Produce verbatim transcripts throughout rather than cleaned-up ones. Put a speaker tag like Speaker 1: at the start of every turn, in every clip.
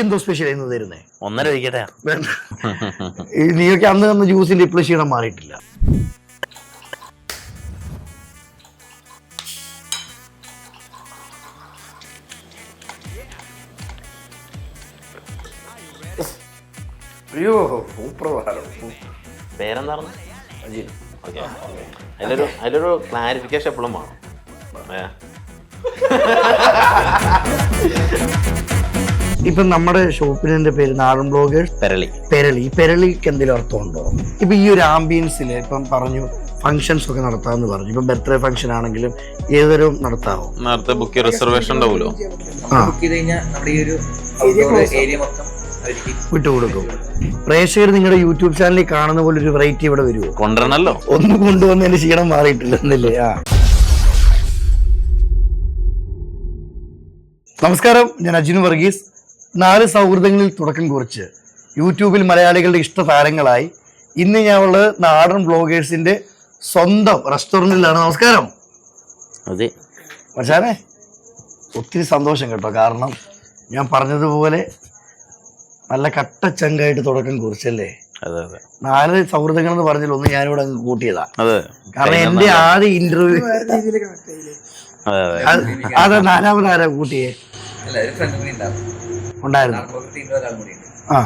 Speaker 1: ഇന്നെന്തോ special എന്ന് തരുന്നേ?
Speaker 2: ഒന്നര ഒഴിക്കട്ടെ.
Speaker 1: നീയൊക്കെ അന്ന് തന്ന ജ്യൂസിന്റെ ഇപ്പോഴും ക്ഷീണം മാറിയിട്ടില്ല. അയ്യോ സൂപ്പർ.
Speaker 2: പേരെന്താണെന്ന്? ഓക്കെ. അതിലൊരു അതിലൊരു ക്ലാരിഫിക്കേഷൻ എപ്പോഴും വേണം.
Speaker 1: ഇപ്പം നമ്മുടെ ഷോപ്പിന്റെ പേര് നാടൻ ബ്ലോഗേഴ്സ്
Speaker 2: പെരളി.
Speaker 1: പെരളി. ഈ പെരളിക്ക് എന്തെങ്കിലും അർത്ഥമുണ്ടോ? ഇപ്പൊ ഈ ഒരു ആംബിയൻസിൽ ഇപ്പം പറഞ്ഞു ഫംഗ്ഷൻസ് ഒക്കെ നടത്താമെന്ന് പറഞ്ഞു. ഇപ്പം ബർത്ത്ഡേ ഫംഗ്ഷൻ ആണെങ്കിലും ഏതൊരു നടത്താവോ?
Speaker 2: നേരത്തെ ബുക്ക് റിസർവേഷൻ ഉണ്ടാവുമല്ലോ.
Speaker 1: വിട്ടുകൊടുക്കും. പ്രേക്ഷകർ നിങ്ങളുടെ യൂട്യൂബ് ചാനലിൽ കാണുന്ന പോലെ ഒരു വെറൈറ്റി ഇവിടെ വരുമോ?
Speaker 2: കൊണ്ടുവരണല്ലോ.
Speaker 1: ഒന്ന് കൊണ്ടുവന്ന് എന്റെ ക്ഷീണം മാറിയിട്ടില്ല എന്നല്ലേ? ആ നമസ്കാരം, ഞാൻ അജിനു വർഗീസ്. നാല് സൗഹൃദങ്ങളിൽ തുടക്കം കുറിച്ച് യൂട്യൂബിൽ മലയാളികളുടെ ഇഷ്ട താരങ്ങളായി ഇന്ന് ഞാൻ ഉള്ളത് നാടൻ ബ്ലോഗേഴ്സിന്റെ സ്വന്തം റെസ്റ്റോറൻറ്റിലാണ്. നമസ്കാരം.
Speaker 2: അതെ
Speaker 1: പക്ഷേ ഒത്തിരി സന്തോഷം കേട്ടോ. കാരണം ഞാൻ പറഞ്ഞതുപോലെ നല്ല കട്ടച്ചങ്കായിട്ട് തുടക്കം കുറിച്ചല്ലേ. നാല് സൗഹൃദങ്ങൾ എന്ന് പറഞ്ഞാൽ ഒന്ന് ഞാനിവിടെ അങ്ങ് കൂട്ടിയതാ. കാരണം എന്റെ ആദ്യ ഇന്റർവ്യൂ അതെ നാലാമത് ആരാ കൂട്ടിയേ? ഉണ്ടായിരുന്നു. ആ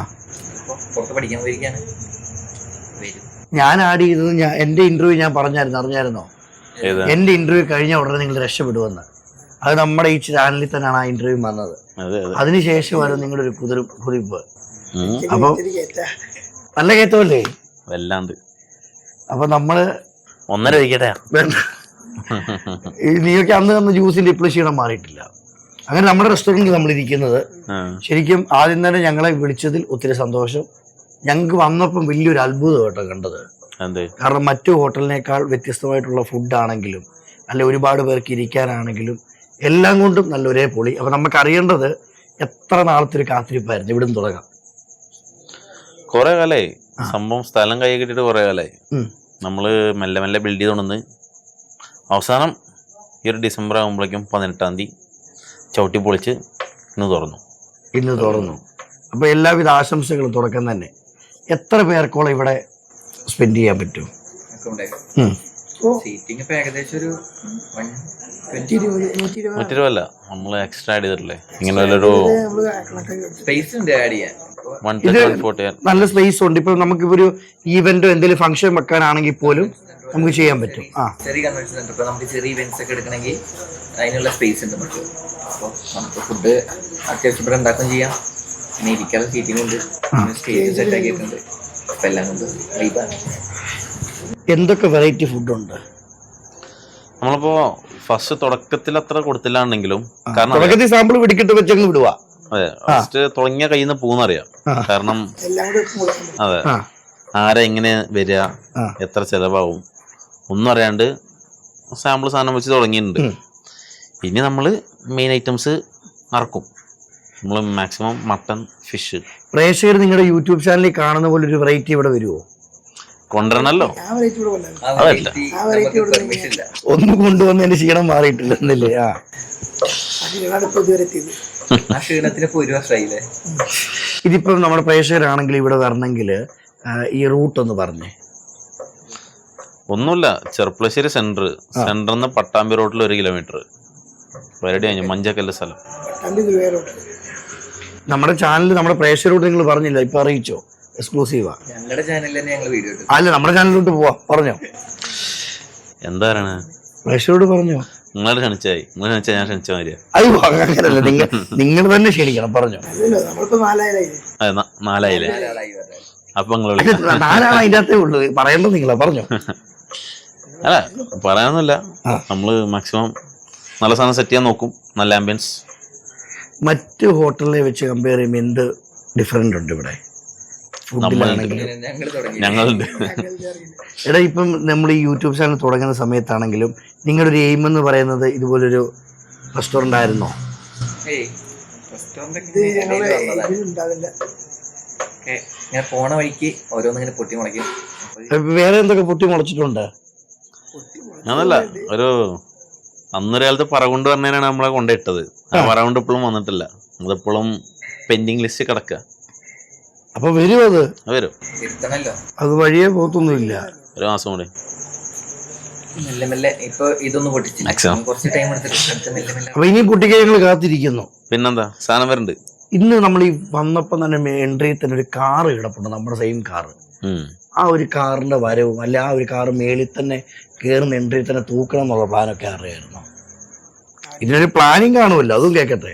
Speaker 1: ഞാൻ ആഡ് ചെയ്തത് ഞാൻ എന്റെ ഇന്റർവ്യൂ ഞാൻ പറഞ്ഞായിരുന്നു. അറിഞ്ഞായിരുന്നോ? എന്റെ ഇന്റർവ്യൂ കഴിഞ്ഞ ഉടനെ നിങ്ങൾ രക്ഷപ്പെടുമെന്ന്. അത് നമ്മുടെ ഈ ചാനലിൽ തന്നെയാണ് ആ ഇന്റർവ്യൂ വന്നത്. അതിനുശേഷമായിരുന്നു നിങ്ങളുടെ ഒരു കുതിർ കുതിപ്പ്. അപ്പൊ നല്ല കയറ്റമല്ലേ?
Speaker 2: വല്ലാണ്ട്.
Speaker 1: അപ്പൊ നമ്മള്
Speaker 2: ഒന്നര ഒഴിക്കട്ടെ.
Speaker 1: നീയൊക്കെ അന്ന് തന്ന ജ്യൂസിന്റെ ഇപ്പോഴും ക്ഷീണം മാറിയിട്ടില്ല. അങ്ങനെ നമ്മുടെ റെസ്റ്റോറൻറ്റിൽ നമ്മൾ ഇരിക്കുന്നത് ശരിക്കും ആദ്യം തന്നെ ഞങ്ങളെ വിളിച്ചതിൽ ഒത്തിരി സന്തോഷം. ഞങ്ങൾക്ക് വന്നപ്പം വലിയൊരു അത്ഭുതം കേട്ടോ കണ്ടത്. കാരണം മറ്റു ഹോട്ടലിനേക്കാൾ വ്യത്യസ്തമായിട്ടുള്ള ഫുഡാണെങ്കിലും അല്ലെ ഒരുപാട് പേർക്ക് ഇരിക്കാനാണെങ്കിലും എല്ലാം കൊണ്ടും നല്ല ഒരേ പൊളി. അപ്പൊ നമുക്ക് അറിയേണ്ടത് എത്ര നാളത്തെ ഒരു കാത്തിരിപ്പായിരുന്നു. ഇവിടുന്ന് തുടങ്ങാം.
Speaker 2: കുറെ കാലായി സംഭവം. സ്ഥലം കൈ കിട്ടിയിട്ട് കുറെ കാലായി. നമ്മള് മെല്ലെ മെല്ലെ ബിൽഡ് ചെയ്തോണ്ടെന്ന് അവസാനം ഈ ഒരു ഡിസംബർ ആകുമ്പോഴേക്കും പതിനെട്ടാം തീയതി ചവിട്ടി പൊളിച്ച് ഇന്ന് തുറന്നു.
Speaker 1: ഇന്ന് തുറന്നു. അപ്പൊ എല്ലാവിധ ആശംസകളും തുടക്കം തന്നെ. എത്ര പേർക്കോളം ഇവിടെ സ്പെൻഡ് ചെയ്യാൻ പറ്റും?
Speaker 2: നൂറ്റിരുപതല്ല, നമ്മള് എക്സ്ട്രാ ആഡ് ചെയ്തിട്ടില്ലേ? ഇങ്ങനെ ഒരു
Speaker 1: നല്ല സ്പേസ് ഉണ്ട്. ഇപ്പൊ നമുക്ക് ഒരു ഈവന്റോ എന്തെങ്കിലും ഫംഗ്ഷൻ വെക്കാനാണെങ്കിൽ പോലും നമുക്ക് ചെയ്യാൻ പറ്റും. ആ
Speaker 3: ചെറിയ കൺവെൻഷൻ സെന്റർ ഇപ്പൊ നമുക്ക് ചെറിയ ഇവന്റ്സ് ഒക്കെ എടുക്കണമെങ്കിൽ അതിനുള്ള സ്പേസ് ഉണ്ട് നമുക്ക്. അപ്പോൾ നമുക്ക് ഫുഡ് അത്യാവശ്യം ഇവിടെ ഉണ്ടാക്കുകയും ചെയ്യാം. പിന്നെ ഇരിക്കാനുള്ള സീറ്റിംഗ് ഉണ്ട്, സ്റ്റേജ് സെറ്റ് ആക്കിയിട്ടുണ്ട്. അപ്പൊ എല്ലാം കൊണ്ട് വൈബാണ്.
Speaker 2: എന്തൊക്കെ വെറൈറ്റി ഫുഡ് ഉണ്ട്? നമ്മളിപ്പോ ഫസ്റ്റ് തുടക്കത്തിൽ അത്ര കൊടുത്തില്ലാണ്ടെങ്കിലും
Speaker 1: കാരണം സാമ്പിൾ പിടിക്കിട്ട് വെച്ചങ്ങ് വിടുക.
Speaker 2: അതെ, ഫസ്റ്റ് തുടങ്ങിയ കയ്യിൽ നിന്ന് പോകുന്നറിയാം. കാരണം അതെ ആരാ എങ്ങനെ വരിക, എത്ര ചെലവാകും ഒന്നും അറിയാണ്ട് സാമ്പിൾ സാധനം വെച്ച് തുടങ്ങിയിട്ടുണ്ട്. ഇനി നമ്മള് മെയിൻ ഐറ്റംസ് ഇറക്കും. നമ്മൾ മാക്സിമം മട്ടൺ, ഫിഷ്.
Speaker 1: പ്രേക്ഷകർ നിങ്ങളുടെ യൂട്യൂബ് ചാനലിൽ കാണുന്ന പോലെ ഒരു വെറൈറ്റി ഇവിടെ വരുമോ?
Speaker 2: കൊണ്ടുവരണല്ലോ. അതല്ല,
Speaker 1: ഒന്ന് കൊണ്ടുവന്ന് എന്റെ ക്ഷീണം മാറിയിട്ടില്ല എന്നല്ലേ? ആ ഇതിപ്പം നമ്മുടെ പ്രേക്ഷകരാണെങ്കിൽ ഇവിടെ വരണമെങ്കിൽ ഈ റൂട്ട് ഒന്ന് പറഞ്ഞേ.
Speaker 2: ഒന്നുമില്ല, ചെർപ്പളശ്ശേരി സെന്റർ സെന്ററിൽ നിന്ന് പട്ടാമ്പി റോഡിൽ ഒരു കിലോമീറ്റർ വരടി കഴിഞ്ഞു മഞ്ചക്കല്ല് സ്ഥലം.
Speaker 1: നമ്മുടെ ചാനൽ നമ്മുടെ പ്രേക്ഷകരോട് നിങ്ങൾ പറഞ്ഞില്ല, ഇപ്പൊ അറിയിച്ചോ? എക്സ്ക്ലൂസീവാ. അല്ല, നമ്മുടെ ചാനലിലോട്ട് പോവാ. പറഞ്ഞോ
Speaker 2: എന്താ പറയണ?
Speaker 1: പ്രേക്ഷകരോട് പറഞ്ഞോ.
Speaker 2: നിങ്ങൾ ക്ഷണിച്ചായി, നിങ്ങൾ ക്ഷണിച്ചാൽ ഞാൻ ക്ഷണിച്ച മാതിരിയാ.
Speaker 1: അയ്യോ അങ്ങനല്ല, നിങ്ങൾ നിങ്ങൾ തന്നെ ക്ഷണിക്കണം. പറഞ്ഞോ.
Speaker 2: നാലായില്ലേ? അപ്പൊ
Speaker 1: നാലാണ് അതിന്റെ അകത്തേ ഉള്ളു. പറയേണ്ടത് നിങ്ങളാ. പറഞ്ഞോ.
Speaker 2: അല്ല പറയാനൊന്നുമില്ല, നമ്മള് മാക്സിമം നല്ല സാധനം സെറ്റ് ചെയ്യാൻ നോക്കും. നല്ല ആംബിയൻസ്.
Speaker 1: മറ്റ് ഹോട്ടലിനെ വെച്ച് കമ്പയർ ചെയ്യുമ്പോൾ എന്ത് ഡിഫറെന്റ് ഉണ്ട് ഇവിടെ?
Speaker 2: ഞങ്ങളുണ്ട്.
Speaker 1: എടാ, ഇപ്പം നമ്മൾ ഈ യൂട്യൂബ് ചാനൽ തുടങ്ങുന്ന സമയത്താണെങ്കിലും നിങ്ങളുടെ ഒരു എയിം എന്ന് പറയുന്നത് ഇതുപോലൊരു റെസ്റ്റോറന്റ് ആയിരുന്നോ?
Speaker 3: പോണ വഴിക്ക് ഓരോന്നിങ്ങനെ പൊട്ടി മുളയ്ക്കും.
Speaker 1: വേറെ എന്തൊക്കെ പൊട്ടി മുളച്ചിട്ടുണ്ട്?
Speaker 2: അതല്ല, ഒരു അന്നൊരു കാലത്ത് പറകൊണ്ട് പറഞ്ഞതിനാണ് നമ്മളെ കൊണ്ടിട്ടത്. ആ പറകൊണ്ട് ഇപ്പോഴും വന്നിട്ടില്ല. അതിപ്പോഴും പെൻഡിങ് ലിസ്റ്റ് കിടക്കുക.
Speaker 1: അപ്പൊ വരും അത്
Speaker 2: വരും,
Speaker 1: അത് വഴിയേ പോത്തൊന്നുമില്ല.
Speaker 2: ഒരു മാസം കൂടി
Speaker 3: മെല്ലെ മെല്ലെ ഇപ്പൊ ഇതൊന്നും പൊട്ടിച്ചില്ല, കുറച്ച് ടൈം എടുത്തിട്ട് മെല്ലെ മെല്ലെ.
Speaker 1: അപ്പൊ ഇനി പൊട്ടിക്കാൻ ഞങ്ങൾ കാത്തിരിക്കുന്നു.
Speaker 2: പിന്നെന്താ സാധനം വരുന്നുണ്ട്.
Speaker 1: ഇന്ന് നമ്മൾ ഈ വന്നപ്പോ തന്നെ എൻട്രിയിൽ തന്നെ ഒരു കാറ് കിടപ്പുണ്ട്, നമ്മുടെ സെയിം കാറ്. ആ ഒരു കാറിന്റെ വരവും അല്ലെ ആ ഒരു കാറ് മേളിൽ തന്നെ കയറുന്ന എൻട്രിയിൽ തന്നെ തൂക്കണം എന്നുള്ള പ്ലാനൊക്കെ അറിയായിരുന്നു. ഇതിനൊരു പ്ലാനിങ് കാണുമല്ലോ, അതും കേക്കട്ടെ.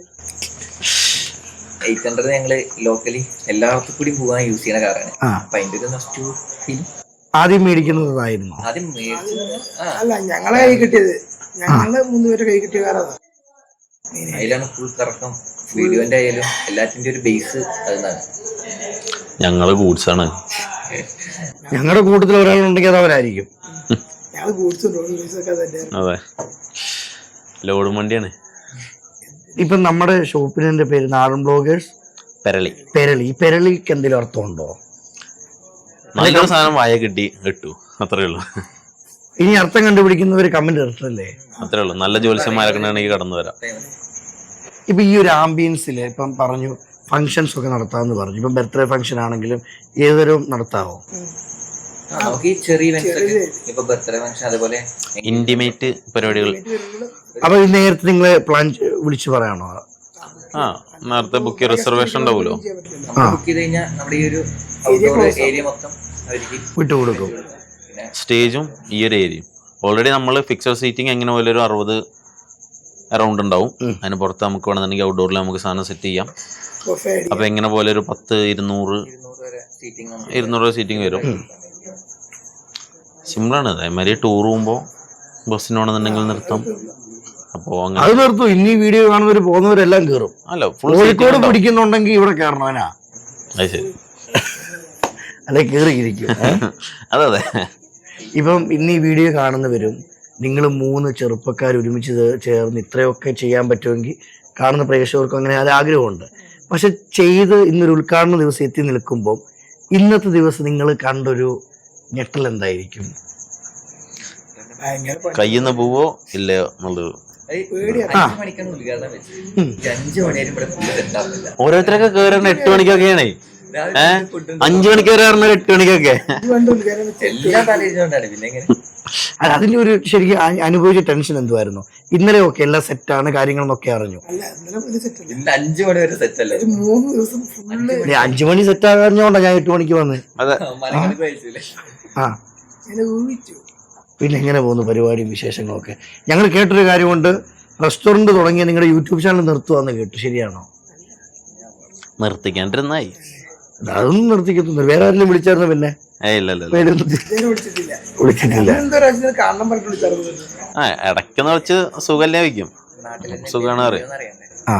Speaker 3: എയ്റ്റ് ഹൺഡ്രഡ് ഞങ്ങള് ലോക്കലി എല്ലായിടത്തും കൂടി പോകാൻ യൂസ് ചെയ്യുന്ന കാറാണ്. അപ്പൊ അതിന്റെ ഒരു നഷ്ടു
Speaker 1: ആദ്യം മേടിക്കുന്നതായിരുന്നു.
Speaker 3: ആദ്യം മേടിച്ചത്
Speaker 4: അല്ല, ഞങ്ങളെ കൈ കിട്ടിയത്, ഞങ്ങള് മൂന്നുപേരെ കൈ കിട്ടിയ കാറാണ്.
Speaker 3: അതിലാണ് ഫുൾ കറക്കം. വീഡിയോന്റെ ആയാലും എല്ലാത്തിന്റെ ഒരു ബേസ് അതിനാണ്.
Speaker 2: ഞങ്ങള് ഗൂഡ്സ് ആണ്.
Speaker 1: ഞങ്ങളുടെ കൂട്ടത്തിൽ ഒരാളുണ്ടെങ്കിൽ അത് അവരായിരിക്കും.
Speaker 4: ഞങ്ങള് ഗൂഡ്സും ഒക്കെ തന്നെ.
Speaker 2: അതെ, ലോഡ് വണ്ടിയാണ്.
Speaker 1: ഇപ്പൊ നമ്മുടെ ഷോപ്പിന്റെ പേര് നാടൻ ബ്ലോഗേഴ്സ്
Speaker 2: പെരളി.
Speaker 1: പെരളി. ഈ പെരളിക്ക് എന്തെങ്കിലും അർത്ഥമുണ്ടോ?
Speaker 2: നല്ലൊരു സാധനം വായ കിട്ടി കിട്ടു, അത്രേ ഉള്ളൂ.
Speaker 1: ഇനി അർത്ഥം കണ്ടുപിടിക്കുന്നവര് കമന്റ് ഇടട്ടല്ലേ?
Speaker 2: അത്രേ ഉള്ളൂ. നല്ല ജ്യോത്സ്യന്മാരൊക്കെ ഉണ്ടെങ്കിൽ കടന്നു വരാം.
Speaker 1: ഇപ്പൊ ഈ ഒരു ആംബിയൻസിൽ ഇപ്പം പറഞ്ഞു ഫങ്ഷൻസ് ഒക്കെ നടത്താമെന്ന് പറഞ്ഞു. ഇപ്പം ബർത്ത്ഡേ ഫംഗ്ഷൻ ആണെങ്കിലും ഏതൊരു നടത്താവോ?
Speaker 3: നമുക്ക് ഈ ചെറിയ ഇപ്പൊ ബർത്ത്ഡേ ഫംഗ്ഷൻ അതുപോലെ
Speaker 2: ഇന്റിമേറ്റ് പരിപാടികൾ.
Speaker 1: അപ്പൊ ഇത് നേരത്തെ നിങ്ങളെ പ്ലാൻ വിളിച്ചു പറയാണോ?
Speaker 2: ആ, നേരത്തെ ബുക്ക് റിസർവേഷൻ ഉണ്ടാവുമല്ലോ.
Speaker 3: ബുക്ക് ചെയ്ത് കഴിഞ്ഞാൽ നമ്മുടെ ഈ ഒരു ഔട്ട്ഡോർ ഏരിയ മൊത്തം അവർക്ക്
Speaker 1: വിട്ടുകൊടുക്കും.
Speaker 2: സ്റ്റേജും ഈ ഒരു ഏരിയയും ഓൾറെഡി നമ്മൾ ഫിക്സഡ് സീറ്റിംഗ് എങ്ങനെ പോലെ ഒരു അറുപത് അറൗണ്ട് ഉണ്ടാവും. അതിന് പുറത്ത് നമുക്ക് വേണമെന്നുണ്ടെങ്കിൽ ഔട്ട്ഡോറിൽ നമുക്ക് സാധനം സെറ്റ് ചെയ്യാം. അപ്പൊ എങ്ങനെ പോലെ ഒരു പത്ത് ഇരുന്നൂറ് ഇരുന്നൂറ് സീറ്റിംഗ് വരും. സിമ്പിളാണ്. അതേമാതിരി ടൂർ പോകുമ്പോൾ ബസ്സിന് വേണമെന്നുണ്ടെങ്കിൽ നിർത്താം. അപ്പോ
Speaker 1: അത് നിർത്തും. ഇനി വീഡിയോ കാണുന്നവര് പോകുന്നവരെല്ലാം കയറും.
Speaker 2: അല്ല,
Speaker 1: കോഴിക്കോട് പിടിക്കുന്നുണ്ടെങ്കിൽ ഇവിടെ കയറണവനാ.
Speaker 2: അത് ശരി,
Speaker 1: അല്ലെ കയറിയിരിക്കും.
Speaker 2: അതെ അതെ.
Speaker 1: ഇപ്പം ഇന്ന് ഈ വീഡിയോ കാണുന്നവരും നിങ്ങൾ മൂന്ന് ചെറുപ്പക്കാർ ഒരുമിച്ച് ചേർന്ന് ഇത്രയൊക്കെ ചെയ്യാൻ പറ്റുമെങ്കിൽ കാണുന്ന പ്രേക്ഷകർക്കും അങ്ങനെ അത് ആഗ്രഹമുണ്ട്. പക്ഷെ ചെയ്ത് ഇന്നൊരു ഉദ്ഘാടന ദിവസം എത്തി നിൽക്കുമ്പോൾ ഇന്നത്തെ ദിവസം നിങ്ങൾ കണ്ടൊരു ഞെട്ടൽ എന്തായിരിക്കും?
Speaker 2: കയ്യിൽ നിന്ന് പോവോ ഇല്ലയോ എന്നുള്ളത്. ഓരോരുത്തരൊക്കെ കയറുന്ന എട്ട് മണിക്കൊക്കെയാണേ. ഏഹ് അഞ്ചു മണിക്ക് കയറുന്ന എട്ട് മണിക്കൊക്കെ.
Speaker 1: അല്ല, അതിന്റെ ഒരു ശരിക്കും അനുഭവിച്ച ടെൻഷൻ എന്തുവായിരുന്നു? ഇന്നലെ ഒക്കെ എല്ലാം സെറ്റാണ് കാര്യങ്ങളെന്നൊക്കെ അറിഞ്ഞു.
Speaker 3: അഞ്ചു മണി വരെ സെറ്റ് അല്ലേ?
Speaker 1: അഞ്ചു മണി സെറ്റ് ആകാഞ്ഞോണ്ടാ ഞാൻ എട്ട് മണിക്ക് വന്ന്. ആ, പിന്നെ എങ്ങനെ പോകുന്നു പരിപാടിയും വിശേഷങ്ങളൊക്കെ? ഞങ്ങൾ കേട്ടൊരു കാര്യമുണ്ട്, റെസ്റ്റോറന്റ് തുടങ്ങിയ നിങ്ങളുടെ യൂട്യൂബ് ചാനൽ നിർത്തുവാന്ന് കേട്ടു, ശരിയാണോ?
Speaker 2: നിർത്തിക്കാണ്ടിരുന്നായി.
Speaker 1: അതൊന്നും നിർത്തിക്കത്തൊന്നും. വേറെ ആരെങ്കിലും വിളിച്ചായിരുന്നു? പിന്നെ
Speaker 2: ആ, ഇടയ്ക്കെന്ന് വെച്ച് സുഖല്ലേ വയ്ക്കും. സുഖമാണ് അറിയാം.
Speaker 1: ആ,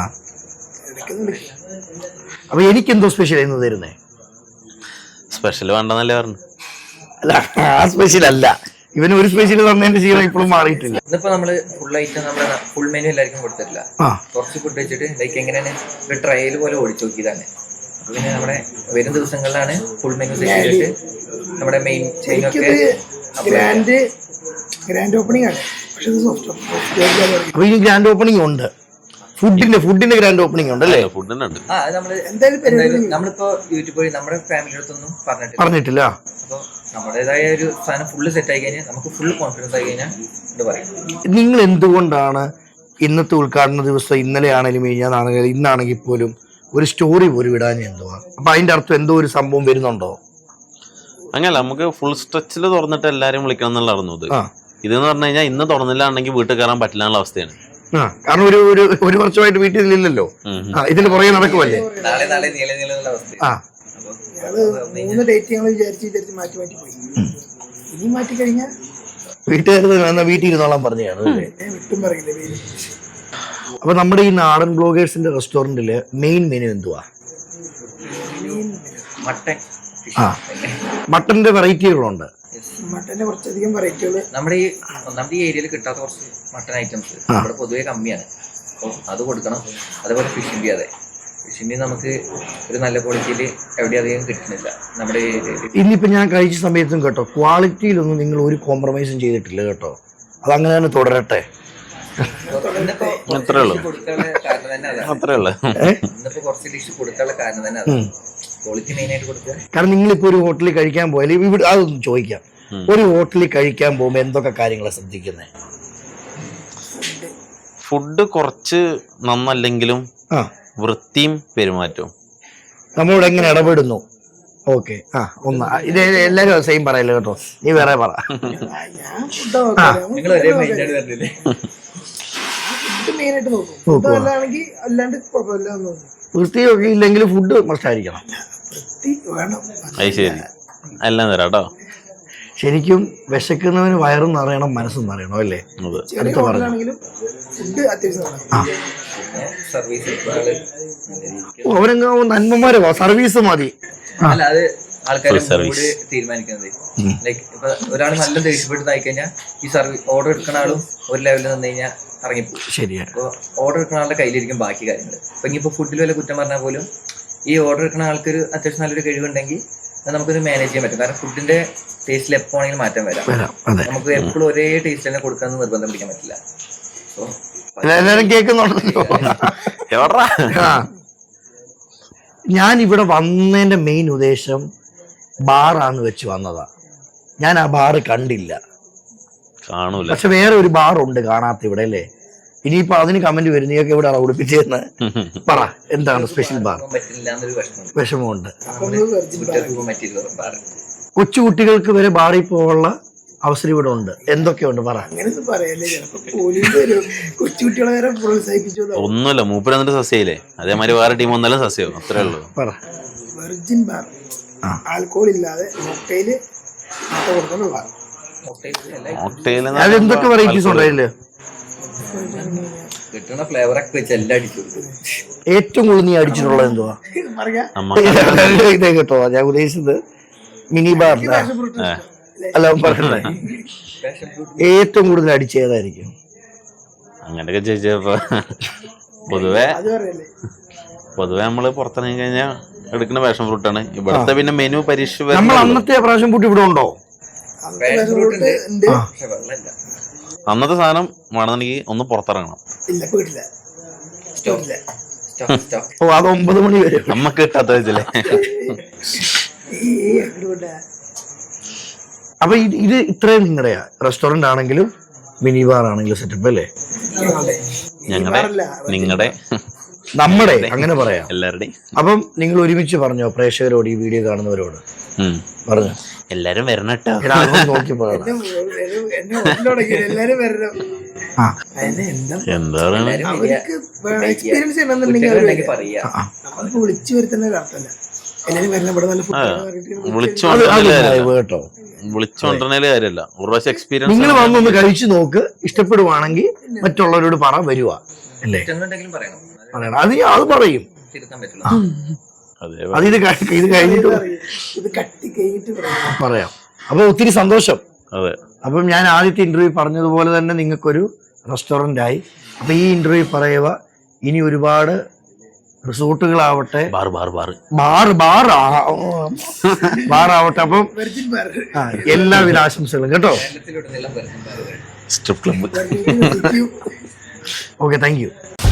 Speaker 1: അപ്പൊ എനിക്കെന്തോ സ്പെഷ്യൽ എന്ന് തരുന്നേ?
Speaker 2: സ്പെഷ്യൽ വേണ്ടെന്നല്ലേ പറഞ്ഞു.
Speaker 1: അല്ല, ആ സ്പെഷ്യൽ അല്ല, ഇവന് ഒരു സ്പെഷ്യൽ തന്നതിന്റെ ശീലം ഇപ്പോഴും മാറിയിട്ടില്ല.
Speaker 3: ഇതിപ്പോ നമ്മള് ഫുൾ ഐറ്റം നമ്മള് ഫുൾ മെനു എല്ലാവർക്കും കൊടുത്തിട്ടില്ല. കുറച്ച് ഫുഡ് വെച്ചിട്ട് ലൈക്ക് എങ്ങനെയാണ് ഒരു ട്രയൽ പോലെ ഓടിച്ചു നോക്കിയതാണ്. അപ്പൊ പിന്നെ നമ്മുടെ വരും ദിവസങ്ങളിലാണ് ഫുൾ മെനു സെറ്റ് ചെയ്തിട്ട് നമ്മുടെ മെയിൻ ചെയിനൊക്കെ
Speaker 4: ഗ്രാൻഡ് ഗ്രാൻഡ് ഓപ്പണിംഗ് ആണ്.
Speaker 1: അപ്പൊ ഇനി ഗ്രാൻഡ് ഓപ്പണിംഗ് ഉണ്ട്. ഫുഡിന്റെ ഫുഡിന്റെ ഗ്രാൻഡ് ഓപ്പണിംഗ് ഉണ്ട് അല്ലേ?
Speaker 2: ഫുഡിന്റെ ഉണ്ട്.
Speaker 3: ആ, നമ്മള് എന്തായാലും നമ്മളിപ്പോ യൂട്യൂബ് വഴി നമ്മുടെ ഫാമിലി അടുത്തൊന്നും പറഞ്ഞിട്ടില്ല
Speaker 1: പറഞ്ഞിട്ടില്ല
Speaker 3: അപ്പൊ നമ്മുടേതായ ഒരു സാധനം ഫുള്ള് സെറ്റ് ആയി കഴിഞ്ഞാൽ നമുക്ക് ഫുൾ കോൺഫിഡൻസ് ആയി കഴിഞ്ഞാൽ ഇത് പറയും.
Speaker 1: നിങ്ങൾ എന്തുകൊണ്ടാണ് ഇന്നത്തെ ഉദ്ഘാടന ദിവസം ഇന്നലെ ആണെങ്കിലും കഴിഞ്ഞാണെങ്കിലും ഇന്നാണെങ്കിൽ പോലും ഒരു സ്റ്റോറി പോലും ഇടാൻ എന്തുവാ? അപ്പൊ അതിന്റെ അർത്ഥം എന്തോ ഒരു സംഭവം വരുന്നുണ്ടോ?
Speaker 2: അങ്ങനല്ല, നമുക്ക് ഫുൾ സ്ട്രെച്ചിൽ തുറന്നിട്ട് എല്ലാരും വിളിക്കണം എന്നുള്ള അറിഞ്ഞത്. ഇതെന്ന് പറഞ്ഞു കഴിഞ്ഞാൽ ഇന്ന് തുറന്നില്ലാണെങ്കിൽ വീട്ടിൽ കയറാൻ പറ്റില്ല എന്നുള്ള അവസ്ഥയാണ്.
Speaker 1: കാരണം ഒരു ഒരു വർഷമായിട്ട് വീട്ടിൽ ഇല്ലല്ലോ, ഇതിന് പുറകെ നടക്കുമല്ലേ.
Speaker 3: നാളെ നാളെ നീളെ നീളെന്നുള്ള അവസ്ഥ.
Speaker 4: മൂന്ന് ഡേറ്റ് ഞങ്ങൾ വിചാരിച്ച് വിചാരിച്ച് മാറ്റി മാറ്റി പോയി. ഇനി മാറ്റി കഴിഞ്ഞാൽ
Speaker 1: വീട്ടുകാർ വീട്ടിൽ ഇരുന്നോളാൻ പറഞ്ഞതാണ്.
Speaker 4: വിട്ടും പറയില്ല പേര്.
Speaker 1: അപ്പൊ നമ്മുടെ ഈ നാടൻ ബ്ലോഗേഴ്സിന്റെ റെസ്റ്റോറന്റില് മെയിൻ മെനു എന്തുവാ?
Speaker 3: മട്ടൻ.
Speaker 1: ആ, മട്ടന്റെ വെറൈറ്റികളുണ്ട്.
Speaker 4: മട്ടന്റെ കുറച്ചധികം വെറൈറ്റികൾ
Speaker 3: നമ്മുടെ ഈ ഒന്നാമത്തെ ഈ ഏരിയയിൽ കിട്ടാത്ത കുറച്ച് മട്ടൻ ഐറ്റംസ് നമ്മുടെ പൊതുവെ കമ്മിയാണ്. അപ്പോൾ അത് കൊടുക്കണം. അതേപോലെ ഫിഷിൻ്റെ അതെ ഫിഷിൻ്റെ നമുക്ക് ഒരു നല്ല ക്വാളിറ്റിയിൽ എവിടെ അധികം കിട്ടുന്നില്ല നമ്മുടെ ഏരിയയിൽ.
Speaker 1: ഇന്നിപ്പോ ഞാൻ കഴിച്ച സമയത്തും കേട്ടോ, ക്വാളിറ്റിയിലൊന്നും നിങ്ങൾ ഒരു കോംപ്രമൈസും ചെയ്തിട്ടില്ല കേട്ടോ. അതങ്ങനെ തന്നെ തുടരട്ടെ.
Speaker 3: ഇന്നിപ്പോ
Speaker 2: അത്രേ ഉള്ളൂ
Speaker 3: കൊടുക്കാനുള്ള കാരണം തന്നെ അതാണ്.
Speaker 2: അത്രേ ഉള്ളു.
Speaker 3: ഇന്നിപ്പോ കുറച്ച് ഡിഷ് കൊടുക്കാനുള്ള കാരണം തന്നെ അതാണ്. ക്വാളിറ്റി മെയിൻ ആയിട്ട് കൊടുക്കുക.
Speaker 1: കാരണം നിങ്ങളിപ്പോ ഒരു ഹോട്ടലിൽ കഴിക്കാൻ പോയാൽ ഇവിടെ അതൊന്നും ചോദിക്കാം, ഒരു ഹോട്ടലിൽ കഴിക്കാൻ പോകുമ്പോ എന്തൊക്കെ കാര്യങ്ങളാണ് ശ്രദ്ധിക്കുന്നത്?
Speaker 2: ഫുഡ് കുറച്ച് നന്നല്ലെങ്കിലും
Speaker 1: ആ
Speaker 2: വൃത്തിയും പെരുമാറ്റവും
Speaker 1: നമ്മളോട് എങ്ങനെ ഇടപെടുന്നു. ഓക്കെ, ആ ഒന്ന് ഇത് എല്ലാരും സെയിം പറയല്ലോ കേട്ടോ, നീ വേറെ പറ.
Speaker 4: ഞാൻ ഫുഡ് നോക്കാം.
Speaker 3: നിങ്ങൾ ഒരേ മൈൻഡാണ് പറഞ്ഞില്ലേ?
Speaker 4: ഫുഡ് മെയിൻ ആയിട്ട് നോക്കും. ഫുഡ് നല്ലതാണെങ്കിൽ അല്ലാണ്ട് കുഴപ്പമില്ല എന്ന് തോന്നുന്നു.
Speaker 1: വൃത്തിയൊക്കെ ഇല്ലെങ്കിൽ ഫുഡ് മസ്റ്റ് ആയിരിക്കണം.
Speaker 4: വൃത്തി വേണം.
Speaker 2: അത് ശരി, എല്ലാം തരാം കേട്ടോ.
Speaker 1: ശരിക്കും വിശക്കുന്നവന് വയറും നിറയണം, മനസ്സും നിറയണം അല്ലേ?
Speaker 4: ചെറിയ ഹോട്ടലാണെങ്കിലും ഫുഡ് അത്യാവശ്യം വേണം.
Speaker 3: സർവീസ്
Speaker 1: അവരങ്ങ് നന്മമാരെ സർവീസ് മതി.
Speaker 3: അല്ല, അത് ആൾക്കാർ കൂടി തീരുമാനിക്കുന്നത്. ലൈക്ക് ഇപ്പൊ ഒരാൾ നല്ല ദേഷ്യപ്പെട്ട് ആയി കഴിഞ്ഞാൽ ഈ സർവീസ് ഓർഡർ എടുക്കുന്ന ആളും ഒരു ലെവലിൽ നിന്ന് കഴിഞ്ഞാൽ ഇറങ്ങിപ്പോകും.
Speaker 1: ശരിയാണ്.
Speaker 3: അപ്പോൾ ഓർഡർ എടുക്കുന്ന ആളുടെ കയ്യിലിരിക്കും ബാക്കി കാര്യങ്ങൾ. അപ്പൊ ഇനിയിപ്പോ ഫുഡിൽ വല്ല കുറ്റം പറഞ്ഞാൽ പോലും ഈ ഓർഡർ എടുക്കുന്ന ആൾക്കൊരു അത്യാവശ്യം നല്ലൊരു കഴിവുണ്ടെങ്കിൽ നമുക്കൊരു മാനേജ് ചെയ്യാൻ പറ്റും. കാരണം ഫുഡിന്റെ ടേസ്റ്റിൽ എപ്പോ ആണെങ്കിലും മാറ്റം വരാം. നമുക്ക് എപ്പോഴും ഒരേ ടേസ്റ്റ് തന്നെ കൊടുക്കാന്ന് നിർബന്ധം പിടിക്കാൻ പറ്റില്ല.
Speaker 1: എല്ലാരും കേൾക്കുന്നുണ്ടല്ലോ. ഞാൻ ഇവിടെ വന്നതിന്റെ മെയിൻ ഉദ്ദേശം ബാറാന്ന് വെച്ച് വന്നതാ. ഞാൻ ആ ബാറ് കണ്ടില്ല,
Speaker 2: കാണൂല.
Speaker 1: പക്ഷെ വേറെ ഒരു ബാറുണ്ട് കാണാത്ത ഇവിടെ അല്ലേ? ഇനിയിപ്പോ അതിന് കമന്റ് വരും, നീയൊക്കെ ഇവിടെ ഉടുപ്പിച്ചെന്ന് പറ. എന്താണ് സ്പെഷ്യൽ ബാർ?
Speaker 3: പറ്റില്ല എന്നൊരു വിഷമം
Speaker 1: വിഷമമുണ്ട്.
Speaker 3: പറ്റില്ല.
Speaker 1: കൊച്ചുകുട്ടികൾക്ക് വരെ ബാറിൽ പോകാനുള്ള അവസരം ഇവിടെ ഉണ്ട്. എന്തൊക്കെയുണ്ട് പറ.
Speaker 4: അങ്ങനെയൊന്നും പറയല്ലേ, ചിലപ്പോ പോലീസ് വരും. കൊച്ചുകുട്ടികളെ വരെ പ്രോത്സാഹിപ്പിച്ചു.
Speaker 2: ഒന്നുമില്ല, മൂപ്പര് എന്നിട്ട് സസ്യയില്ലേ, അതേമാതിരി വേറെ ടീം ഒന്നല്ല സസ്യവും. അത്രേ ഉള്ളൂ.
Speaker 1: പറ.
Speaker 4: വെർജിൻ ബാർ, ആൽക്കോൾ ഇല്ലാതെ മോക്ടെയില് കൊടുക്കുന്ന ബാർ.
Speaker 1: അതെന്തൊക്കെ വെറൈറ്റീസ് ഉണ്ട് അതില്?
Speaker 3: കിട്ടുന്ന ഫ്ലേവർ ഒക്കെ വെച്ച് എല്ലാം അടിച്ചു.
Speaker 1: ഏറ്റവും കൂടുതൽ നീ അടിച്ചിട്ടുള്ളത് എന്തുവാ? ഇതേ കേട്ടോ ഞാൻ ഉദ്ദേശിച്ചത് മിനി ബാർ അല്ല പറഞ്ഞേ. ഏറ്റവും കൂടുതൽ അടിച്ച ഏതായിരിക്കും?
Speaker 2: അങ്ങനെയൊക്കെ ചോദിച്ചപ്പോ പൊതുവെ പൊതുവെ നമ്മള് പുറത്തിറങ്ങി കഴിഞ്ഞാൽ എടുക്കുന്ന പാഷൻ ഫ്രൂട്ടാണ്. ഇവിടുത്തെ പിന്നെ മെനു പരീക്ഷ
Speaker 1: നമ്മൾ അന്നത്തെ പ്രാവശ്യം പൂട്ടി ഇവിടെ ഉണ്ടോ?
Speaker 2: അന്നത്തെ സാധനം വേണമെന്നുണ്ടെങ്കിൽ ഒന്ന് പുറത്തിറങ്ങണം.
Speaker 1: ഓ, അത് ഒമ്പത് മണി വരെ
Speaker 2: നമ്മക്ക് കിട്ടാത്ത വെച്ചല്ലേ.
Speaker 1: അപ്പൊ ഇത് ഇത്രയും നിങ്ങളുടെയാ? റെസ്റ്റോറന്റ് ആണെങ്കിലും മിനി ബാർ ആണെങ്കിലും സെറ്റപ്പ് അല്ലേ?
Speaker 2: ഞങ്ങളുടെ നിങ്ങളുടെ
Speaker 1: നമ്മുടെ അങ്ങനെ പറയാം
Speaker 2: എല്ലാവരുടെയും.
Speaker 1: അപ്പം നിങ്ങൾ ഒരുമിച്ച് പറഞ്ഞോ പ്രേക്ഷകരോട്, ഈ വീഡിയോ കാണുന്നവരോട് പറഞ്ഞു
Speaker 2: എല്ലാരും വരണട്ടോ,
Speaker 1: നോക്കി പറയണം.
Speaker 4: എല്ലാരും വരണം.
Speaker 2: എന്താ
Speaker 4: എക്സ്പീരിയൻസ് ചെയ്യണമെന്നുണ്ടെങ്കിൽ വിളിച്ചു വരുത്തുന്ന അർത്ഥമല്ല. എല്ലാരും വരണം. ഇവിടെ നല്ല
Speaker 1: കേട്ടോ,
Speaker 2: വിളിച്ചോണ്ടേല് കാര്യമല്ല, ഒരു പ്രാവശ്യം എക്സ്പീരിയൻസ്
Speaker 1: നിങ്ങൾ വന്നൊന്ന് കഴിച്ചു നോക്ക്. ഇഷ്ടപ്പെടുവാണെങ്കിൽ മറ്റുള്ളവരോട് പറ, വരുക അല്ലേ പറയണം. അത് അത് പറയും. അത് ഇത് ഇത് കഴിഞ്ഞിട്ട് പറയാം. അപ്പൊ ഒത്തിരി സന്തോഷം.
Speaker 2: അതെ.
Speaker 1: അപ്പം ഞാൻ ആദ്യത്തെ ഇന്റർവ്യൂ പറഞ്ഞതുപോലെ തന്നെ നിങ്ങൾക്കൊരു റെസ്റ്റോറന്റ് ആയി. അപ്പൊ ഈ ഇന്റർവ്യൂ പറയുക, ഇനി ഒരുപാട് റിസോർട്ടുകളാവട്ടെ,
Speaker 2: bar bar bar
Speaker 1: bar bar ബാറാവട്ടെ. അപ്പം എല്ലാവിധ ആശംസകളും കേട്ടോ.
Speaker 2: Strip club.
Speaker 1: Okay, thank U.